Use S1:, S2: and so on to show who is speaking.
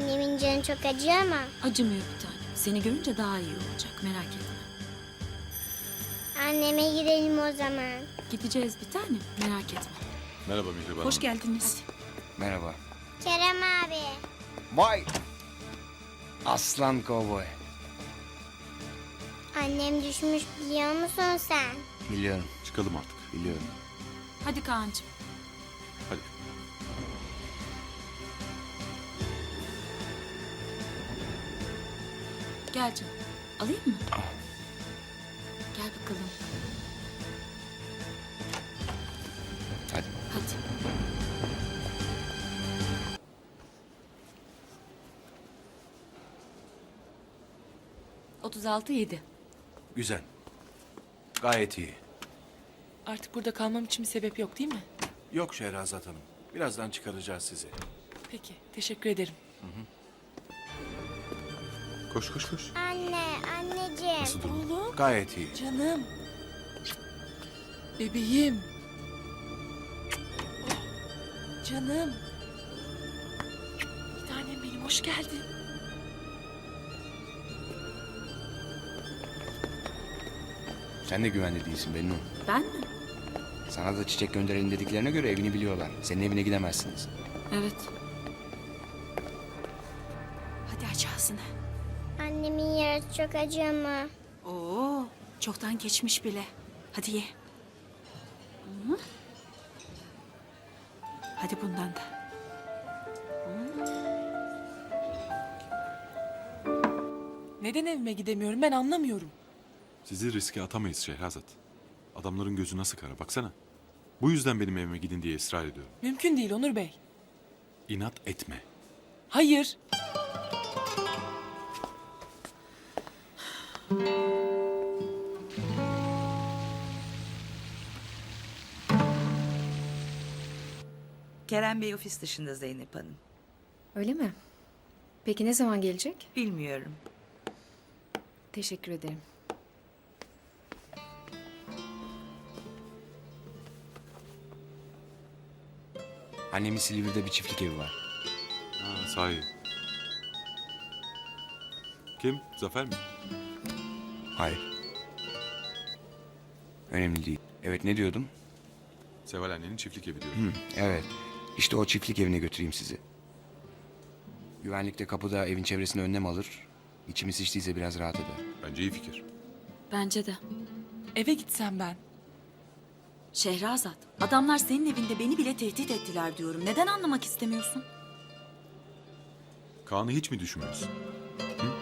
S1: Annemin canı çok acıyor ama.
S2: Acımıyor bir tane. Seni görünce daha iyi olacak, merak etme.
S1: Anneme gidelim o zaman.
S2: Gideceğiz bir tane, merak etme.
S3: Merhaba Mihriban
S2: Hoş
S3: Hanım.
S2: geldiniz.
S4: Merhaba.
S1: Kerem abi.
S4: Vay! Aslan kovboy.
S1: Annem düşmüş biliyor musun sen?
S4: Biliyorum,
S3: Çıkalım artık.
S4: biliyorum.
S2: Hadi Kaan'cığım.
S3: Hadi.
S2: Gel canım. Alayım mı? Gel bakalım.
S4: Hadi.
S2: Hadi. ...36,7.
S5: Güzel. Gayet iyi.
S6: Artık burada kalmam için bir sebep yok değil mi?
S5: Yok Şehrazat Hanım. Birazdan çıkaracağız sizi.
S6: Peki, teşekkür ederim.
S3: Koş koş koş.
S1: Anne, anneciğim.
S3: Nasıl durum?
S6: Oğlum,
S5: Gayet iyi.
S6: canım. Bebeğim. Oh, canım. Bir tanem benim, hoş geldin.
S4: Sen de güvende değilsin Bennu.
S2: Ben mi?
S4: Sana da çiçek gönderelim dediklerine göre evini biliyorlar. Senin evine gidemezsiniz.
S2: Evet. Hadi aç ağzını.
S1: Annemin yarası çok acıyor mu?
S2: Oo, çoktan geçmiş bile. Hadi ye. Hı. Hadi bundan da.
S6: Neden evime gidemiyorum ben anlamıyorum.
S3: Sizi riske atamayız Şehrazat. Adamların gözü nasıl kara baksana. Bu yüzden benim evime gidin diye ısrar ediyorum.
S6: Mümkün değil Onur Bey.
S3: İnat etme.
S6: Hayır.
S7: Kerem Bey ofis dışında Zeynep Hanım.
S8: Öyle mi? Peki ne zaman gelecek?
S7: Bilmiyorum.
S8: Teşekkür ederim.
S4: Annemin Silivri'de bir çiftlik evi var.
S3: Ha sahi. Kim? Zafer mi?
S4: Hayır. Önemli değil. Evet, ne diyordum?
S3: Seval annenin çiftlik evi diyorum.
S4: Evet. İşte o çiftlik evine götüreyim sizi. Güvenlikte kapıda evin çevresine önlem alır. İçimiz şiştiyse biraz rahat eder.
S3: Bence iyi fikir.
S2: Bence de.
S6: Eve gitsem ben.
S2: Şehrazat, adamlar senin evinde beni bile tehdit ettiler diyorum. Neden anlamak istemiyorsun?
S3: Kaan'ı hiç mi düşünmüyorsun? Hı?